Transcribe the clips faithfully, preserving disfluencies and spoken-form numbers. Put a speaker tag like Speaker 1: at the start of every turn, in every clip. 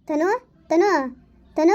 Speaker 1: ತನು ತನು ತನು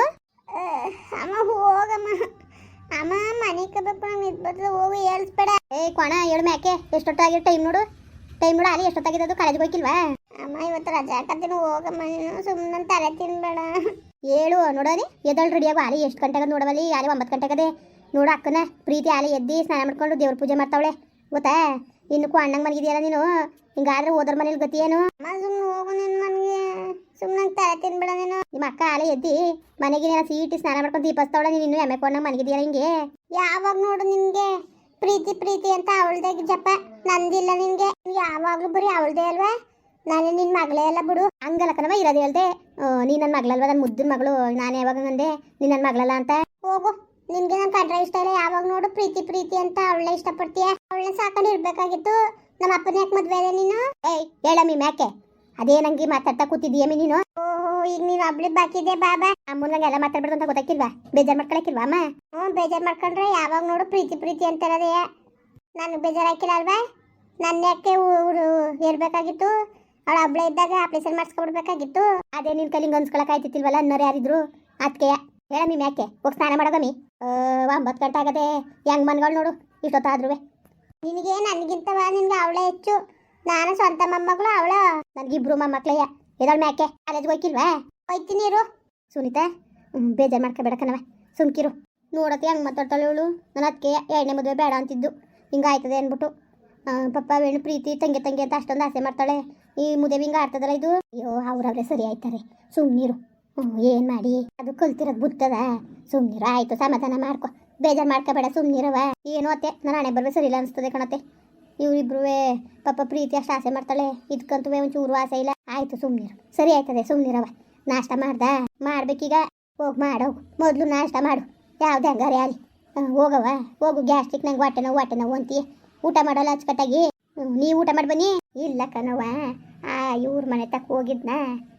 Speaker 2: ಅಮ್ಮ ಹೋಗಮ್ಮ ಅಮ್ಮ ಮನೆ ಕಬೇಕು ನಂಗೆ ಇದ್ಬಾರ್ದು ಹೋಗಿ ಹೇಳ್ಸ್ಬೇಡ.
Speaker 1: ಏ ಕೊಣ ಹೇಳು ಮ್ಯಾಕೆ ಎಷ್ಟೊತ್ತಾಗಿರೋ ಟೈಮ್ ನೋಡು ಟೈಮ್ ನೋಡು ಅಲ್ಲಿ ಎಷ್ಟೊತ್ತಾಗಿದ್ದು ಕಾಲೇಜ್ಗೆ ಹೋಗಿಲ್ವಾ?
Speaker 2: ಅಮ್ಮ ಇವತ್ತು ರಜಾ ಹಾಕತ್ತೀನಿ ಹೋಗಮ್ಮ ನೀನು ಸುಮ್ಮನೆ ತಲೆ ತಿನ್ಬೇಡ.
Speaker 1: ಹೇಳು ನೋಡೋನಿ ಎದಳು ರೆಡಿಯಾಗು ಆಲಿ ಎಷ್ಟು ಗಂಟೆಗೆ ನೋಡವಲ್ಲಿ ಆಲಿ ಒಂಬತ್ತು ಗಂಟೆಗದೆ ನೋಡು ಅಕ್ಕನ ಪ್ರೀತಿ ಆಲಿ ಎದ್ದು ಸ್ನಾನ ಮಾಡ್ಕೊಂಡು ದೇವ್ರ ಪೂಜೆ ಮಾಡ್ತಾವಳೆ ಗೊತ್ತಾ? ಇನ್ನು ಅಣ್ಣಂಗೆ ಮನಗಿದೆಯಲ್ಲ ನೀನು ಹಿಂಗಾದ್ರೆ ಓದೋರ್ ಮನೇಲಿ ಗತಿ ಏನು?
Speaker 2: ಅಮ್ಮ ಸುಮ್ಮನೆ ಹೋಗು ನಿನ್ನ ಮನೆಗೆ ಸುಮ್ಮನೆ ತಲೆ ತಿನ್ಬೇಡ ನೀನು.
Speaker 1: ನಿಮ್ಮ ಅಕ್ಕ ಆಲೆ ಎದ್ದಿ ಮನೆಗೆ ನೀನು ಸೀಟಿ ಸ್ನಾನ ಮಾಡ್ಕೊಂಡು ದೀಪಸ್ತವಳೆ ನೀನು ಇನ್ನೂ ಎಮ್ಮೆ ಕೊಂಡಂಗೆ ಮನಗಿದೆಯಲ್ಲ ಹಿಂಗೆ.
Speaker 2: ಯಾವಾಗ ನೋಡು ನಿನ್ಗೆ ಪ್ರೀತಿ ಪ್ರೀತಿ ಅಂತ ಅವಳ್ದೇ ಜಪ ನಂದಿಲ್ಲ ನಿನ್ಗೆ. ಯಾವಾಗ್ಲೂ ಬರೀ ಅವಳ್ದೇ ಅಲ್ವಾ? ನಾನೇ ನಿನ್ ಮಗಳೇ ಅಲ್ಲ ಬಿಡು.
Speaker 1: ಹಂಗಲ್ಲ ಕಣವ ಇರೋದು ಹೇಳ್ದೆ ನೀ ನನ್ನ ಮಗಳಲ್ವಾ ನನ್ನ ಮುದ್ದಿನ ಮಗಳು ನಾನು ಯಾವಾಗ ಅಂದೆ ನೀನು ನನ್ನ ಮಗಳಲ್ಲ ಅಂತ.
Speaker 2: ಹೋಗು ನಿನ್ಗೆ ನನ್ನ ಕಂಡ್ರೆ ಇಷ್ಟ ಇಲ್ಲ. ಯಾವಾಗ ನೋಡು ಪ್ರೀತಿ ಪ್ರೀತಿ ಅಂತ ಅವಳೇ ಇಷ್ಟಪಡ್ತೀಯ. ಅವಳನ್ನ ಸಾಕೊಂಡು ಇರ್ಬೇಕಾಗಿತ್ತು. ನಮ್ಮ ಅಪ್ಪನ ಯಾಕೆ ಮದ್ವೆ ಅದೇ ನೀನು?
Speaker 1: ಏಯ್ ಹೇಳಮ್ಮಿ ಮ್ಯಾಕೆ ಅದೇ ನಂಗೆ ಮಾತಾಡ್ತಾ ಕೂತಿದ್ದೀಯಮ್ಮಿ ನೀನು.
Speaker 2: ಓಹೋ ಈಗ ನೀನು ಒಬ್ಳು ಬಾಕಿದೆ ಬಾಬಾ.
Speaker 1: ಅಮ್ಮನಂಗೆಲ್ಲ ಮಾತಾಡ್ಬಿಡ್ದು ಅಂತ ಗೊತ್ತಾಕಿಲ್ವಾ? ಬೇಜಾರು ಮಾಡ್ಕೊಳಕಿಲ್ವಾ ಅಮ್ಮ?
Speaker 2: ಹ್ಞೂ ಬೇಜಾರು ಮಾಡ್ಕೊಂಡ್ರೆ ಯಾವಾಗ ನೋಡು ಪ್ರೀತಿ ಪ್ರೀತಿ ಅಂತಾರದೇ. ನನಗೆ ಬೇಜಾರು ಹಾಕಿಲ್ಲ ಅಲ್ವಾ? ನನ್ನ ಯಾಕೆ ಇರ್ಬೇಕಾಗಿತ್ತು? ಅವಳು ಹಬ್ಬಳ ಇದ್ದಾಗ ಆಪರೇಷನ್ ಮಾಡಿಸ್ಕೊಬಿಡ್ಬೇಕಾಗಿತ್ತು.
Speaker 1: ಅದೇ ನಿನ್ ಕೈಲಿಂಗ್ ಅನ್ಸ್ಕೊಳಕ್ ಆಯ್ತಿತ್ತಿಲ್ವಲ್ಲ ಅನ್ನೋರು ಯಾರಿದ್ರು ಅದಕ್ಕೆ ಹೇಳಮ್ಮಿ ಮ್ಯಾಕೆ ಹೋಗಿ ಸ್ನಾನ ಮಾಡೋಗಮ್ಮಿ. ಒಂಬತ್ತು ಗಂಟೆ ಆಗದೆ ಹೆಂಗ್ ಮನ್ಗಳು ನೋಡು ಇಷ್ಟೊತ್ತಾದ್ರೂ.
Speaker 2: ನಿನಗೆ ನನಗಿಂತವ ನಿನ್ಗೆ ಅವಳೇ ಹೆಚ್ಚು. ನಾನು ಸ್ವಂತ ಮೊಮ್ಮಗಳು ಅವಳ.
Speaker 1: ನನಗಿಬ್ರು ಮೊಮ್ಮಕ್ಳಯ್ಯ ಎದಳು ಮ್ಯಾಕೆ ಕಾಲೇಜ್ಗೆ ಹೋಯ್ಕಿಲ್ವಾ?
Speaker 2: ಹೋಯ್ತೀನಿ ಇರು
Speaker 1: ಸುನೀತಾ. ಹ್ಞೂ ಬೇಜಾರು ಮಾಡ್ಕೊಬೇಡ ಕಣವ ಸುಮ್ಕಿರು. ನೋಡತ್ತೆ ಹೆಂಗೆ ಮಾತಾಡ್ತಾಳೆ ಇವಳು. ನಾನು ಅದಕ್ಕೆ ಎರಡನೇ ಮದುವೆ ಬೇಡ ಅಂತಿದ್ದು ಹಿಂಗಾಯ್ತದೆ ಅಂದ್ಬಿಟ್ಟು ಪಪ್ಪ ವೇಣು ಪ್ರೀತಿ ತಂಗಿ ತಂಗಿ ಅಂತ ಅಷ್ಟೊಂದು ಆಸೆ ಮಾಡ್ತಾಳೆ. ಈ ಮುದೇವಿ ಹಿಂಗೆ ಆಡ್ತದಲ್ಲ ಇದು. ಅಯ್ಯೋ ಅವ್ರವ್ರೆ ಸರಿ ಆಯ್ತಾರೆ ಸುಮ್ಮನಿರು. ಹ್ಞೂ ಏನು ಮಾಡಿ ಅದು ಕಲ್ತಿರೋದು ಬುತ್ತದ ಸುಮ್ಮನಿರು. ಆಯಿತು ಸಮಾಧಾನ ಮಾಡ್ಕೊ ಬೇಜಾರು ಮಾಡ್ಕೋಬೇಡ ಸುಮ್ಮನಿರವ. ಏನೋ ಅತ್ತೆ ನಾನು ಹಣೆ ಬರ್ಬೇ ಸರಿ ಇಲ್ಲ ಅನಿಸ್ತದೆ ಕಣತ್ತೆ. ಇವರಿಬ್ರು ಪಾಪ ಪ್ರೀತಿ ಅಷ್ಟು ಆಸೆ ಮಾಡ್ತಾಳೆ ಇದಕ್ಕಂತೂ ಒಂಚೂರು ಆಸೆ ಇಲ್ಲ. ಆಯಿತು ಸುಮ್ಮನಿರು ಸರಿ ಆಯ್ತದೆ ಸುಮ್ಮನಿರವ. ನಾಷ್ಟ ಮಾಡ್ದ ಮಾಡ್ಬೇಕೀಗ ಹೋಗಿ ಮಾಡೋಗು ಮೊದಲು ನಾಷ್ಟ ಮಾಡು ಯಾವ್ದು ಹಂಗಾರೆ ಅಲ್ಲಿ ಹೋಗವ ಹೋಗು. ಗ್ಯಾಸ್ಟ್ರಿಕ್ ನಂಗೆ ಹೊಟ್ಟೆ ನೋವು ಹೊಟ್ಟೆ ನೋವು ಅಂತೀಯ ಊಟ ಮಾಡೋಲ್ಲ ಅಚ್ಚುಕಟ್ಟಾಗಿ. ನೀವು ಊಟ ಮಾಡಿ ಬನ್ನಿ. ಇಲ್ಲ ಕಣವ ಆ ಇವ್ರ ಮನೆ ತಕ್ಕ ಹೋಗಿದ್ನ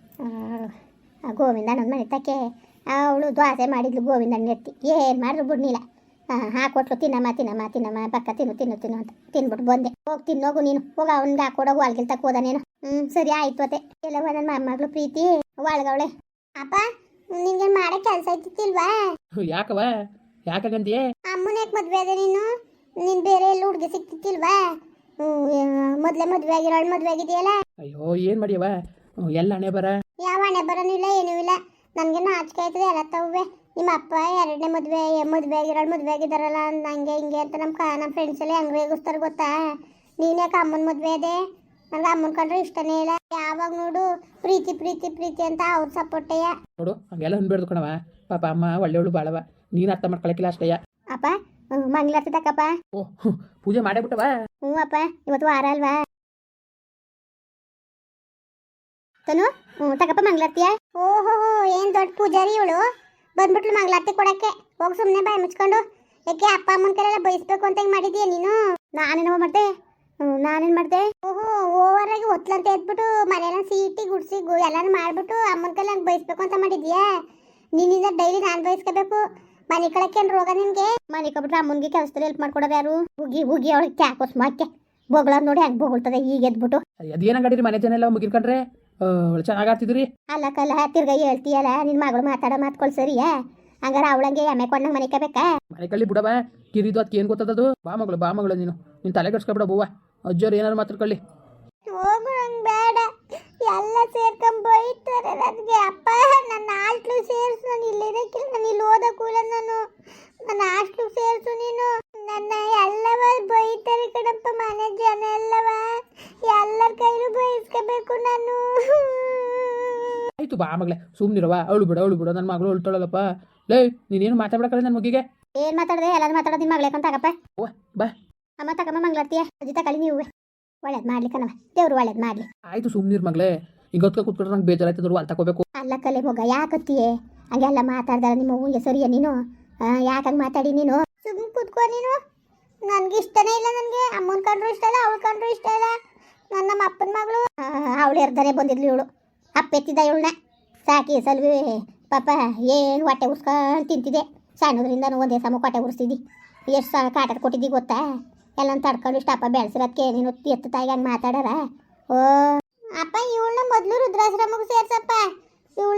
Speaker 1: ಗೋವಿಂದ ನನ್ನ ಮನೆ ತಕ್ಕೆ ಅವಳು ದ್ವಾಸೆ ಮಾಡಿದ್ಲು ಗೋವಿಂದನ ಎತ್ತಿ ಏನು ಮಾಡಿದ್ರು ಬಿಡ್ನಿಲ್ಲ. ಹಾಂ ಹಾಕೊಟ್ಲು ತಿನ್ನಮ್ಮ ತಿನ್ನಮ್ಮ ತಿನ್ನಮ್ಮ ಪಕ್ಕ ತಿನ್ನು ತಿನ್ನು ತಿನ್ನು ಅಂತ ತಿನ್ಬಿಟ್ಟು ಬಂದೆ. ಹೋಗಿ ತಿನ್ನೋಗು ನೀನು ಹೋಗ ಅವ್ನಿಗೆ ಹಾಕೊಡೋಗು ಅಲ್ಗಿಲ್ ತಕ್ಕ ಹೋದಾನೇನು. ಹ್ಞೂ ಸರಿ ಆಯಿತು ಅತ್ತೆ. ಎಲ್ಲವ ನನ್ನ ಮೊಮ್ಮಗಳು ಪ್ರೀತಿ ಒಳಗವಳೆ.
Speaker 2: ಅಪ್ಪ ನಿನ್ಗೆ ಮಾಡೋ ಕೆಲಸ ಐತಿಲ್ವಾ?
Speaker 3: ಯಾಕವ ಯಾಕಂತೀಯ?
Speaker 2: ಅಮ್ಮನ ಯಾಕೆ ಮದುವೆ ಅದೇ ನೀನು? ನೀನು ಬೇರೆ ಎಲ್ಲ ಹುಡುಗಿ ಸಿಕ್ತಿತ್ತಿಲ್ವಾ? ಮೊದಲೇ ಮದುವೆ ಆಗಿರೋಳು ಮದುವೆ ಆಗಿದೆಯಲ್ಲ.
Speaker 3: ಅಯ್ಯೋ ಏನು ಮಾಡಿಯವ ಎಲ್ಲ ಹಣೆ ಬರ.
Speaker 2: ಯಾವ ಹಣೆ ಬರೋನು ಇಲ್ಲ ಏನೂ ಇಲ್ಲ. ನನಗೆ ನಾಚಿಕೆ ಆಯ್ತದೆ ಎಲ್ಲ ತವ್ವೆ. ನಿಮ್ಮ ಅಪ್ಪ ಎರಡನೇ ಮದುವೆ ಮದುವೆ ಆಗಿರೋಳು ಮದುವೆ ಆಗಿದ್ದಾರಲ್ಲ ಹಂಗೆ ಹಿಂಗೆ ಅಂತ ನಮ್ಮ ಕ ನಮ್ಮ ಫ್ರೆಂಡ್ಸ್ ಎಲ್ಲ ಹೆಂಗೆ ರೇಗಿಸ್ತಾರೆ ಗೊತ್ತಾ? ನೀನು ಯಾಕೆ ಅಮ್ಮನ ಮದುವೆ ಅದೇ? ನನಗೆ ಅಮ್ಮನ ಕಂಡ್ರೆ ಇಷ್ಟನೇ ಇಲ್ಲ. ಯಾವಾಗ ನೋಡು ಪ್ರೀತಿ ಪ್ರೀತಿ ಪ್ರೀತಿ ಅಂತ ಅವ್ರ ಸಪೋರ್ಟೆಯ
Speaker 3: ನೋಡು ಹಂಗೆಲ್ಲ ಅನ್ಬೇಡ್ದು ಕಣವ. ಪಾಪ ಅಮ್ಮ ಒಳ್ಳೆಯವಳು ಬಾಳವ ನೀನು ಅರ್ಥ ಮಾಡ್ಕೊಳಕಿಲ್ಲ ಅಷ್ಟಯ್ಯ.
Speaker 1: ಅಪ್ಪ ಮಂಗ್ಲಾರ್ತಿ ತಕ್ಕಪ್ಪ.
Speaker 3: ಓಹ್ ಪೂಜೆ ಮಾಡೇ ಬಿಟ್ಟವ?
Speaker 1: ಹ್ಞೂ ಅಪ್ಪ ಇವತ್ತು ವಾರ ಅಲ್ವಾ ತನು. ಹ್ಞೂ ತಕ್ಕಪ್ಪ ಮಂಗ್ಲಾರ್ತಿಯ.
Speaker 2: ಓಹೋ ಏನು ದೊಡ್ಡ ಪೂಜಾರಿ ಇವಳು ಬಂದ್ಬಿಟ್ಲು ಮಂಗ್ಲಾರ್ತಿ ಕೊಡಕ್ಕೆ. ಹೋಗಿ ಸುಮ್ಮನೆ ಬಾಯಿ ಮುಚ್ಕೊಂಡು. ಯಾಕೆ ಅಪ್ಪ ಅಮ್ಮನ ಕೈಲೆಲ್ಲ ಬಯಸ್ಬೇಕು ಅಂತ ಹಿಂಗೆ ಮಾಡಿದೀಯ ನೀನು?
Speaker 1: ನಾನೇನೋ ಮಾಡಿದೆ? ಹ್ಞೂ ನಾನೇನು ಮಾಡಿದೆ?
Speaker 2: ಓಹೋ ಓವರ್ ಆಗಿ ಒತ್ಲಂತ ಎದ್ಬಿಟ್ಟು ಮನೆಯೆಲ್ಲ ಸೀಟಿ ಗುಡ್ಸಿ ಗು ಎಲ್ಲಾನು ಮಾಡ್ಬಿಟ್ಟು ಅಮ್ಮನ ಕೈಲಿ ಹಂಗೆ ಬಯಸ್ಬೇಕು ಅಂತ ಮಾಡಿದ್ಯಾ? ನಿನ್ನಿಂದ ಡೈಲಿ ನಾನು ಬಯಸ್ಕೋಬೇಕು. ಮನೆ ಕಳಕ್ಕೇನು ರೋಗ ನಿನಗೆ?
Speaker 1: ಮನೆ ಕಬಿಟ್ರೆ ಅಮ್ಮನಿಗೆ ಕೆಲಸದಲ್ಲಿ ಹೆಲ್ಪ್ ಮಾಡ್ಕೊಡೋರು ಯಾರು? ಹುಗಿ ಹುಗಿ ಅವಳಿಗೆ ಕ್ಯಾಕೋಸ್ ಮಾಕೆ ಬೊಗಳೋದು ನೋಡಿ ಹೆಂಗೆ ಬೊಗಳ್ತದೆ ಈಗ ಎದ್ಬಿಟ್ಟು.
Speaker 3: ಅದೇನಂಗಡಿರಿ ಮನೆ ಜನ ಎಲ್ಲ ಮುಗಿರ್ಕೊಂಡ್ರೆ ಚೆನ್ನಾಗಿ ಆಡ್ತಿದ್ರಿ.
Speaker 1: ಅಲ್ಲ ಕಲ್ಲ ತಿರ್ಗಾ ಹೇಳ್ತೀಯಲ್ಲ ನಿನ್ನ ಮಗಳು ಮಾತಾಡೋ ಮಾತ್ಕೊಳ್ ಸರಿಯಾ? ಹಂಗಾರೆ ಅವಳಂಗೆ ಎಮ್ಮೆ ಕೊಂಡಂಗೆ ಮನೆ ಕಬೇಕಾ?
Speaker 3: ಮನೆ ಕಳ್ಳಿ ಬಿಡವ ಕಿರಿದು ಅದಕ್ಕೆ ಏನು ಗೊತ್ತದದು? ಬಾ ಮಗಳು ಬಾ ಮಗಳು ನೀನು ನೀನು ತಲೆ ಕೆಡ್ಸ್ಕೊಬಿಡ ಬೂವ. ಅಜ್ಜೋರು ಏನಾರು ಮಾತಾಡ್ಕೊಳ್ಳಿ.
Speaker 2: ಹೋಗು ನಂಗೆ ಬೇಡ. ಎಲ್ಲ ಸೇರ್ಕೊಂಡ್ ಬೈತಾರೆ ನನಗೆ. ಅಪ್ಪ ನನ್ನ ಹಾಸ್ಟ್ಲು ಸೇರಿಸು. ನಾನು ಇಲ್ಲಿರೋಕ್ಕಿಲ್ಲ. ನಾನು ಇಲ್ಲಿ ಓದಕ್ಕೂಲ್ಲ. ನಾನು ನನ್ನ ಹಾಸ್ಟ್ಲು ಸೇರಿಸು ನೀನು. ನನ್ನ ಎಲ್ಲವ ಬೈತಾರೆ ಕಣಪ್ಪ ಮನೆ ಜನ ಎಲ್ಲವ. ಎಲ್ಲರ ಕೈಲೂ ಬಯಸ್ಕೋಬೇಕು ನಾನು.
Speaker 3: ಆಯ್ತು ಬಾ ಮಗಳೇ ಸುಮ್ಮನಿರವ. ಅವಳು ಬಿಡ ಅವಳು ಬಿಡ ನನ್ನ ಮಗಳು ಅಳ್ತಾಳಲ್ಲಪ್ಪ. ಲೇ ನೀನೇನು ಮಾತಾಡ್ಬೇಕಲ್ಲ ನನ್ನ ಮಗಿಗೆ.
Speaker 1: ಏನು ಮಾತಾಡಿದೆ? ಎಲ್ಲಾರು ಮಾತಾಡೋದು ನಿಮ್ಮ ಮಗಳೇ ತಗಪ್ಪ.
Speaker 3: ಓ ಬಾ
Speaker 1: ಅಮ್ಮ ತಗಮ್ಮ ಮಂಗ್ಲಾರ್ತಿಯ ಅಜ್ಜಿ ತಗೊಳ್ಳಿ ನೀವು. ಒಳ್ಳೇದು ಮಾಡ್ಲಿ ಕಣವ ದೇವ್ರು ಒಳ್ಳೇದು ಮಾಡಲಿ.
Speaker 3: ಆಯ್ತು ಸುಮ್ಮನಿರ್ ಮಗಳೇ. ಈಗ ಹೊತ್ಕ ಕೂತ್ಕೊಂಡ್ರೆ ನಂಗೆ ಬೇಜಾರಾಯ್ತದ್ರು ಅಲ್ಲಿ ತಗೋಬೇಕು.
Speaker 1: ಅಲ್ಲ ಕಲೆ ಮಗ ಯಾಕತ್ತಿಯೇ ಹಂಗೆಲ್ಲ ಮಾತಾಡ್ದಾರ ನಿಮ್ಮ ಹೂವಿಗೆ ಸರಿಯಾ ನೀನು? ಯಾಕಂಗೆ ಮಾತಾಡಿ ನೀನು?
Speaker 2: ಸುಮ್ಮನೆ ಕೂತ್ಕೋ ನೀನು. ನನಗೆ ಇಷ್ಟನೇ ಇಲ್ಲ. ನನಗೆ ಅಮ್ಮನ ಕಂಡ್ರು ಇಷ್ಟ ಇಲ್ಲ ಅವಳು ಕಂಡ್ರು ಇಷ್ಟ ಇಲ್ಲ. ನನ್ನ ನಮ್ಮ ಅಪ್ಪನ ಮಗಳು.
Speaker 1: ಅವಳು ಎರ್ದಾನೆ ಬಂದಿದ್ಲು ಇವಳು. ಅಪ್ಪೆತ್ತಿದ್ದ ಇವಳನ್ನ ಸಾಕಿ ಸಲ್ವಿ ಪಾಪ ಏನು ಹೊಟ್ಟೆ ಉರ್ಸ್ಕೊಂಡು ತಿಂತಿದ್ದೆ. ಸಣ್ಣದ್ರಿಂದ ಒಂದೇ ಸಮ ಹೊಟ್ಟೆ ಉರ್ಸ್ತಿದ್ದಿ. ಎಷ್ಟು ಸಲ ಕಾಟದ ಕೊಟ್ಟಿದ್ದಿ ಗೊತ್ತಾ? ಎಲ್ಲ ತಡ್ಕೊಂಡು ಇಷ್ಟಪ್ಪ ಬೆಳೆಸಿರೋದಕ್ಕೆ ನೀನು ಎತ್ತು ತಾಯಿಗೆ ಹಂಗೆ ಮಾತಾಡಾರ. ಓ
Speaker 2: ಅಪ್ಪ ಇವಳನ್ನ ಮೊದಲು ರುದ್ರಾಶ್ರಮಕ್ಕೆ ಸೇರ್ಸಪ್ಪ. ಇವಳ್ದ ಜಾಸ್ತಿ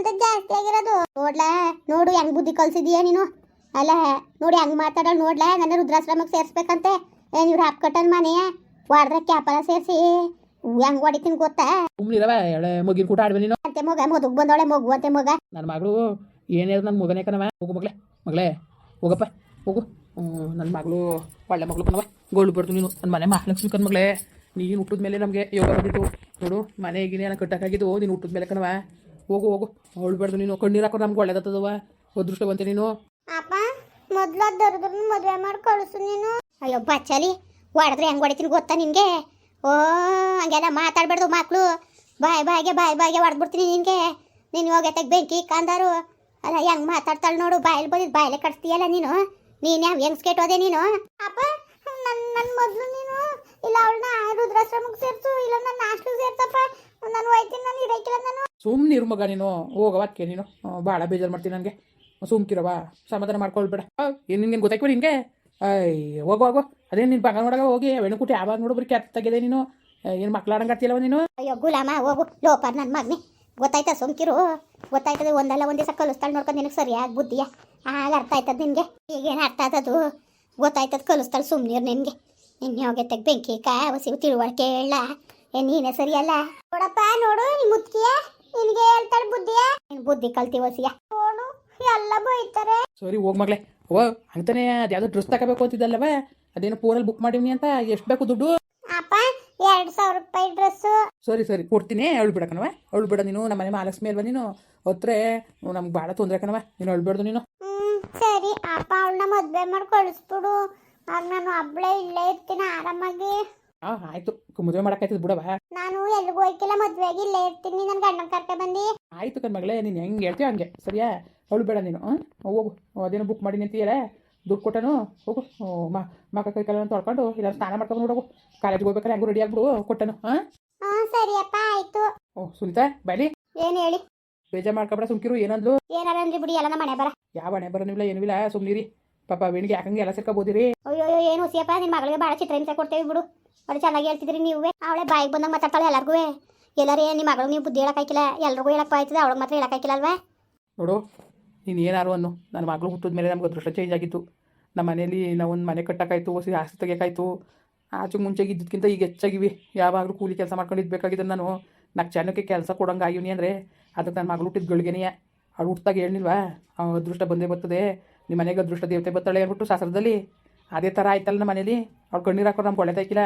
Speaker 2: ಆಗಿರೋದು.
Speaker 1: ನೋಡ್ಲಾ ನೋಡು ಹೆಂಗ್ ಬುದ್ಧಿ ಕಲ್ಸಿದೀಯ ನೀನು. ಅಲ್ಲ ನೋಡಿ ಹೆಂಗ್ ಮಾತಾಡೋಳು ನೋಡ್ಲಾ. ನನ್ನ ರುದ್ರಾಶ್ರಮಕ್ಕೆ ಸೇರಿಸ್ಬೇಕಂತೆ. ಏನು ಇವ್ರು ಹಾಪ್ ಕಟ್ಟನ್ ಮನೆಯ ಹೊಡೆದ್ರೆ ಕ್ಯಾಪಲ ಸೇರಿಸಿ ಹೆಂಗ್ ಹೊಡಿತೀನಿ ಗೊತ್ತಾ.
Speaker 3: ಸುಮ್ಮನಿರವ ಎಳೆ ಮಗಿನ ಕೂಟ ಆಡ್ವೆ ನೀನು.
Speaker 1: ಅಂತೆ ಮಗ ಮದುಗ್ ಬಂದವಳೆ ಮಗು ಅಂತೆ ಮಗ.
Speaker 3: ನನ್ನ ಮಗಳು ಏನೇಳು ನನ್ನ ಮಗನೇ ಕಣವ. ಹೋಗು ಮಗಳೇ ಮಗಳೇ ಹೋಗಪ್ಪ ಹೋಗು. ನನ್ನ ಮಗಳು ಒಳ್ಳೆ ಮಗಳು ಕಣವ. ಗೋಲ್ಡ್ ಬರ್ತು ನೀನು ನನ್ನ ಮನೆ ಮಹಾಲಕ್ಷ್ಮಿ ಕಣ್ ಮಗಳೇ. ನೀನು ಹುಟ್ಟಿದ ಮೇಲೆ ನಮಗೆ ಯೋಗ ಬಂದಿತ್ತು ನೋಡು. ಮನೆ ಈಗಿನ ನಾನು ಕಟ್ಟಕ್ಕಾಗಿದ್ದು ನೀನು ಹುಟ್ಟಿದ ಮೇಲೆ ಕಣವ. ಹೋಗು ಹೋಗು ಹೊಳ್ಬಾರ್ದು ನೀನು. ಕಣ್ಣೀರು ಹಾಕೋ ನಮ್ಗೆ ಒಳ್ಳೇದತ್ತದವ. ಅದೃಷ್ಟವಂತೆ ನೀನು.
Speaker 2: ಅಪ್ಪ ಮೊದ್ಲು ದೊಡ್ಡದ್ರ ಮದುವೆ ಮಾಡಿ ಕಳಿಸು ನೀನು.
Speaker 1: ಅಯ್ಯೋ ಬಚ್ಚಲಿ ಹೊಡೆದ್ರೆ ಹೆಂಗ್ ಹೊಡಿತೀನಿ ಗೊತ್ತಾ ನಿನಗೆ. ಓ ಹಂಗೆಲ್ಲ ಮಾತಾಡ್ಬಾರ್ದು ಮಕ್ಕಳು. ಬಾಯ್ ಬಾಯಿಗೆ ಬಾಯ್ ಬಾಯಿಗೆ ಹೊಡೆದ್ಬಿಡ್ತೀನಿ ನಿನಗೆ. ನೀನು ಹೋಗೈತೆ ಬೆಂಕಿ ಕಂದಾರು. ಅಲ್ಲ ಹೆಂಗ್ ಮಾತಾಡ್ತಾಳೆ ನೋಡು. ಬಾಯಲ್ಲಿ ಬಂದಿದ್ದು ಬಾಯಲ್ಲೇ ಕಟ್ಸ್ತೀಯಲ್ಲ ನೀನು. ನೀನು ಯಾವ ಹೆಂಗ್ ಸ್ಕೇಟ್ ಹೋದೆ ನೀನು.
Speaker 2: ಅಪ್ಪ ನನ್ನ ನನ್ನ ಮೊದಲು ನೀನು ಇಲ್ಲ ಅವಳನ್ನ ರುದ್ರಾಶ್ರಮಕ್ಕೆ ಸೇರಿಸು, ಇಲ್ಲ ನನ್ನ ಹಾಸ್ಟೆಲ್ ಸೇರ್ಸಪ್ಪ. ನಾನು ಹೋಯ್ತೀನಿ, ನಾನು ಇರೋಕ್ಕಿಲ್ಲ ನಾನು.
Speaker 3: ಸುಮ್ಮನಿರು ಮಗ ನೀನು. ಹೋಗವ ಅದಕ್ಕೆ ನೀನು ಭಾಳ ಬೇಜಾರು ಮಾಡ್ತೀನಿ ನನಗೆ. ಸುಮ್ಕಿರವ ಸಮಾಧಾನ ಮಾಡ್ಕೊಳ್ಬೇಡ. ಏನು ನಿನ್ಗೇನು ಗೊತ್ತಾಯ್ತು ನಿನಗೆ. ಅಯ್ಯ ಹೋಗು ಹೋಗು. ಅದೇನು ನಿನ್ನ ಬಂಗ ನೋಡಾಗ ಹೋಗಿ ಹೆಣ್ಣುಕುಟಿ ಯಾವಾಗ ನೋಡು ಬರೀ ಕೆತ್ತ ತೆಗೆದೆ ನೀನು. ಏನು ಮಕ್ಳಾಡಂಗಾಡ್ತಿಯಲ್ಲವ ನೀನು.
Speaker 1: ಅಯ್ಯೋ ಗುಲಾಮ ಹೋಗು ಲೋಪರ್ ನನ್ನ ಮಗನೇ. ಗೊತ್ತಾಯ್ತಾ ಸುಮ್ಕಿರು. ಗೊತ್ತಾಯ್ತದೆ ಒಂದಲ್ಲ ಒಂದು ದಿವಸ ಕಲಿಸ್ತಾಳೆ ನೋಡ್ಕೊಂಡು ನಿನಗೆ ಸರಿಯಾಗಿ ಬುದ್ಧಿಯ. ಆಗ ಅರ್ಥ ಆಯ್ತದ ನಿನಗೆ. ಈಗೇನು ಅರ್ಥ ಆದದು ಗೊತ್ತಾಯ್ತದ ಕಲಿಸ್ತಾಳೆ. ಸುಮ್ಮನಿರು ನಿನಗೆ. ನಿನ್ನೆ ಹೋಗೈತೆ ಬೆಂಕಿ ಕಾ ಹೊಸಿ ತಿಳುವಳಿಕೆ ಹೇಳ. ಏನು ನೀನೇ ಸರಿಯಲ್ಲ.
Speaker 2: ನೋಡಪ್ಪ ನೋಡು ಈ ಮುತ್ಕಿಯ ನಿನಗೆ ಹೇಳ್ತಾಳೆ ಬುದ್ಧಿಯ.
Speaker 1: ನೀನು ಬುದ್ಧಿ ಕಲ್ತಿ ಹೊಸಿಯ.
Speaker 2: ನೋಡು ಎಲ್ಲ ಬೈತಾರೆ.
Speaker 3: ಸರಿ ಹೋಗಿ ಮಗಳೇ. ಓ ಅಂತಾನೆ ಅದು ಯಾವುದೋ ಡ್ರೆಸ್ ತಗೋಬೇಕು ಅಂತಿದ್ದಲ್ಲವ. ಅದೇನೋ ಫೋನಲ್ಲಿ ಬುಕ್ ಮಾಡೀನಿ ಅಂತ. ಎಷ್ಟು ಬೇಕು ದುಡ್ಡು.
Speaker 2: ಅಪ್ಪ ಎರಡು ಸಾವಿರ ರೂಪಾಯಿ ಡ್ರೆಸ್ಸು.
Speaker 3: ಸರಿ ಸರಿ ಕೊಡ್ತೀನಿ. ಅವಳು ಬಿಡ ಕಣವ. ಅವಳು ಬಿಡ ನೀನು. ನಮ್ಮ ಮನೆ ಮಹಾಲಕ್ಷ್ಮಿ ಅಲ್ವಾ ನೀನು. ಹೊತ್ರೆ ನಮ್ಗೆ ಭಾಳ ತೊಂದರೆ ಕಣವ. ನೀನು ಅಳ್ಬೇಡ್ದು ನೀನು.
Speaker 2: ಹ್ಞೂ ಸರಿ ಅಪ್ಪ ಅವಳನ್ನ ಮದುವೆ ಮಾಡಿ ಕಳಿಸ್ಬಿಡು. ಆಗ ನಾನು ಒಬ್ಬಳೇ ಇಲ್ಲೇ ಇರ್ತೀನಿ ಆರಾಮಾಗಿ.
Speaker 3: ಹಾಂ ಆಯಿತು. ಮದುವೆ ಮಾಡೋಕ್ಕಾಯ್ತದ ಬಿಡವ.
Speaker 2: ನಾನು ಎಲ್ಲಿಗೂ ಹೋಯ್ಕಿಲ್ಲ, ಮದುವೆಗೆ ಇಲ್ಲೇ ಇರ್ತೀನಿ. ನನ್ನ ಗಂಡನ ಕರ್ಕೆ ಬಂದು.
Speaker 3: ಆಯಿತು ಕಣ್ ಮಗಳೇ. ನೀನು ಹೆಂಗೆ ಹೇಳ್ತೀಯ ಹಂಗೆ ಸರಿಯಾ. ಅವಳು ಬೇಡ ನೀನು. ಹಾಂ ಹೋಗು. ಅದೇನೋ ಬುಕ್ ಮಾಡಿ ನಿಂತೀಯಲ್ಲ ದುಡ್ಡು ಕೊಟ್ಟನು. ಹೋಗು ಮಾ ಮಕ್ಕ ಕೈ ಕಾಲ ತೊಳ್ಕೊಂಡು ಇಲ್ಲ ಸ್ನಾನ ಮಾಡ್ಕೊಂಡು ನೋಡೋಗು. ಕಾಲೇಜ್ಗೆ ಹೋಗ್ಬೇಕಾದ್ರೆ ಹೆಂಗೂ ರೆಡಿ ಆಗ್ಬಿಡು. ಕೊಟ್ಟನು. ಹಾಂ
Speaker 2: ಹಾಂ ಸರಿಯಪ್ಪ ಆಯಿತು.
Speaker 3: ಓ ಸುನೀತಾ ಬಾಯ್ಲಿ.
Speaker 1: ಏನು ಹೇಳಿ.
Speaker 3: ಬೇಜಾರು ಮಾಡ್ಕೊಬೇಡ ಸುಮ್ಕಿರು. ಏನಂದ್ಲು.
Speaker 1: ಏನಾರ ಅಂದ್ರಿ ಬಿಡಿ ಎಲ್ಲ ನಮ್ಮ ಮನೆ ಬರ.
Speaker 3: ಯಾವ ಹಣೆ ಬರೋನಿಲ್ಲ ಏನಿಲ್ಲ. ಸುಮ್ಮನಿರಿ ಪಾಪ ವೇಣಿಗೆ ಯಾಕಂಗೆ ಎಲ್ಲ ಸೇರ್ಕೊಬೋದಿರಿ.
Speaker 1: ಅಯ್ಯೋ ಏನು ಹೊಸಿಯಪ್ಪ. ನಿನ್ನ ಮಗಳಿಗೆ ಭಾಳ ಚಿತ್ರಹಿಂಸೆ ಕೊಡ್ತೇವೆ ಬಿಡು. ಅವ್ರು ಚೆನ್ನಾಗಿ ಹೇಳ್ತಿದ್ರಿ ನೀವೇ. ಅವಳೆ ಬಾಯಿಗೆ ಬಂದಂಗೆ ಮಾತಾಡ್ತಾಳೆ ಎಲ್ಲರಿಗೂ. ಎಲ್ಲರೇ ನಿಮ್ಮ ಮಗಳಿಗೆ ನೀವು ಬುದ್ಧಿ ಹೇಳೋಕ್ಕಾಯ್ಕಿಲ್ಲ. ಎಲ್ರಿಗೂ ಹೇಳಕ್ಕೆ ಆಯ್ತದೆ, ಅವಳಿಗೆ ಮಾತ್ರ ಹೇಳೋಕ್ಕಾಯ್ಕಿಲ್ಲ ಅಲ್ವಾ.
Speaker 3: ನೋಡು ನೀನು ಏನಾರು ಅನ್ನು. ನನ್ನ ಮಗಳು ಹುಟ್ಟಿದ ಮೇಲೆ ನಮ್ಗೆ ಅದೃಷ್ಟ ಚೇಂಜ್ ಆಗಿತ್ತು. ನಮ್ಮ ಮನೇಲಿ ನಾವು ಒಂದು ಮನೆ ಕಟ್ಟೋಕ್ಕಾಯ್ತು, ಹೊಸ ಆಸ್ತಿ ತೆಗಿಯೋಕ್ಕಾಯ್ತು. ಆಚೆ ಮುಂಚೆಗೆ ಇದ್ದಕ್ಕಿಂತ ಈಗ ಹೆಚ್ಚಾಗಿವಿ. ಯಾವಾಗಲೂ ಕೂಲಿ ಕೆಲಸ ಮಾಡ್ಕೊಂಡಿದ್ಬೇಕಾಗಿದ್ದ ನಾನು. ನಾಲ್ಕು ಜನಕ್ಕೆ ಕೆಲಸ ಕೊಡೋಂಗೆ ಆಗಿವ್ನಿ ಅಂದರೆ ಅದಕ್ಕೆ ನನ್ನ ಮಗಳು ಹುಟ್ಟಿದ ಗಳಿಗೆನೆಯ. ಅವಳು ಹುಟ್ಟಿದಾಗ ಹೇಳಿಲ್ವಾ ಅದೃಷ್ಟ ಬಂದೇ ಬರ್ತದೆ, ನಿಮ್ಮ ಮನೆಗೆ ಅದೃಷ್ಟ ದೇವತೆ ಬರ್ತಾಳೆ ಅಂದ್ಬಿಟ್ಟು ಶಾಸ್ತ್ರದಲ್ಲಿ. ಅದೇ ಥರ ಆಯ್ತಲ್ಲ ನಮ್ಮ ಮನೇಲಿ. ಅವ್ಳು ಕಣ್ಣೀರು ಹಾಕೋರು ನಮ್ಗೆ ಒಳ್ಳೆದಾಯ್ಕಿಲ್ಲ.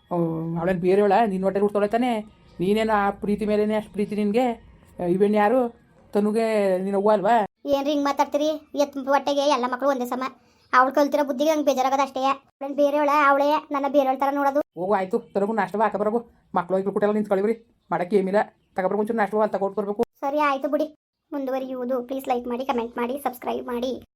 Speaker 3: ಅವಳೇನು ಬೇರೆಯವಳ ನಿನ್ನ ಹೊಟ್ಟೆ ಹುಡ್ತಾಳೆ ತಾನೆ. ನೀನೇನು ಆ ಪ್ರೀತಿ ಮೇಲೇ ಅಷ್ಟು ಪ್ರೀತಿ ನಿನಗೆ. ಇವೇನು ಯಾರು ತನುಗೆ ನೀನು ಅವ್ವ ಅಲ್ವಾ.
Speaker 1: ಏನು ಹಿಂಗೆ ಮಾತಾಡ್ತೀರಿ. ಎತ್ ಹೊಟ್ಟೆಗೆ ಎಲ್ಲ ಮಕ್ಕಳು ಒಂದೇ ಸಮ. ಅವಳು ಕಲ್ತಿರೋ ಬುದ್ಧಿಗೆ ನಂಗೆ ಬೇಜಾರಾಗೋದು ಅಷ್ಟೇ. ಅವಳೇನು ಬೇರೆಯವಳ ಅವಳೇ ನನ್ನ ಬೇರೆಯವಳ ಥರ ನೋಡೋದು.
Speaker 3: ಹೋಗು ಆಯಿತು. ತರಗು ನಾಷ್ಟ ಹಾಕ ಬರೋಗು. ಮಕ್ಕಳು ಐಕ್ಳು ಕುಟೆಲ್ಲ ನಿಂತ್ಕೊಳ್ಳಿವ್ರಿ. ಮಾಡೋಕ್ಕೆ ಏಮಿಲ್ಲ. ತಗೊಬರ್ಬೇಕು ಒಂಚೂರು ನಾಷ್ಟ ಅಲ್ಲಿ ತಗೊಟ್ಟು ಬರಬೇಕು.
Speaker 1: ಸರಿ ಆಯಿತು ಬಿಡಿ. ಮುಂದುವರಿಯುವುದು. ಪ್ಲೀಸ್ ಲೈಕ್ ಮಾಡಿ, ಕಮೆಂಟ್ ಮಾಡಿ, ಸಬ್ಸ್ಕ್ರೈಬ್ ಮಾಡಿ.